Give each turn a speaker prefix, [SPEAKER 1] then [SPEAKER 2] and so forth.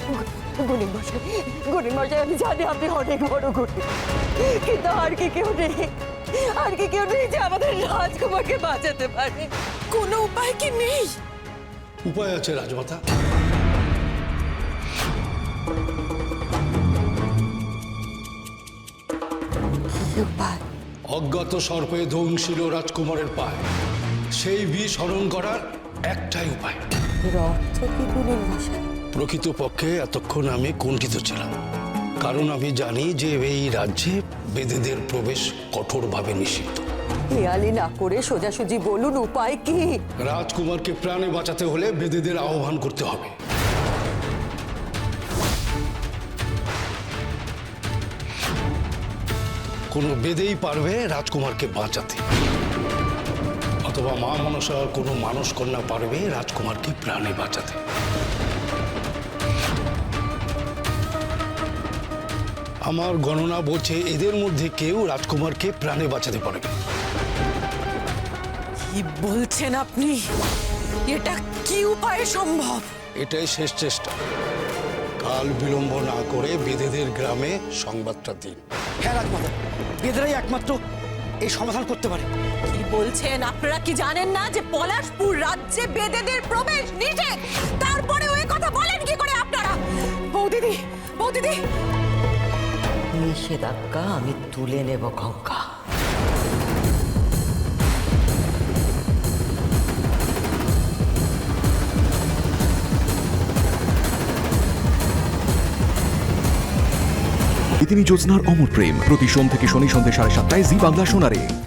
[SPEAKER 1] গরিব মশাই, আমি জানি আপনি অনেক বড় গরিব, কিন্তু আর কি কেউ নেই, আর কি কেউ নেই যে আমাদের রাজকুমারকে বাঁচাতে পারে? কোনো উপায় কি নেই?
[SPEAKER 2] উপায় আছে রাজমাতা।
[SPEAKER 1] কি উপায়?
[SPEAKER 2] অজ্ঞাত সর্পে ধ্বংসিল রাজকুমারের পায়, সেই বিষ হরণ করার একটাই উপায়।
[SPEAKER 1] এর অর্থ কি গরিব মশাই?
[SPEAKER 2] প্রকৃতপক্ষে এতক্ষণ আমি কুণ্ঠিত ছিলাম, কারণ আমি জানি যে এই রাজ্যে বেদেদের প্রবেশ কঠোরভাবে নিষিদ্ধ।
[SPEAKER 1] হেয়ালি না করে সোজাসুজি বলুন উপায় কি?
[SPEAKER 2] রাজকুমারকে প্রাণে বাঁচাতে হলে বেদেদের আহ্বান করতে হবে। কোনো বেদেই পারবে রাজকুমারকে বাঁচাতে, অথবা মা মনসার কোনো মানস কন্যা পারবে রাজকুমারকে প্রাণে বাঁচাতে। আমার গণনা বলছে এদের মধ্যে কেউ রাজকুমারকে প্রাণে বাঁচাতে পারবে।
[SPEAKER 1] কি বলছেন আপনি? এটা কি উপায়ে সম্ভব?
[SPEAKER 2] এটাই শেষ চেষ্টা। কাল বিলম্ব না করে বেদেদের গ্রামে সংবাদটা দিন।
[SPEAKER 3] হ্যাঁ রাজমাতা, বেদেরাই একমাত্র এই সমাধান করতে পারে।
[SPEAKER 1] কি বলছেন? আপনারা কি জানেন না যে পলাশপুর রাজ্যে বেদেদের প্রবেশ নিষেধ? তারপরে ওই কথা বলেন কি করে আপনারা? বৌদিদি, বৌদিদি, নিষেধাজ্ঞা আমি তুলে নেব গঙ্গা।
[SPEAKER 4] ইতিনি জ্যোৎস্নার অমর প্রেম প্রতি সোম থেকে শনি সন্ধ্যে 7:30 জি বাংলা সোনারে।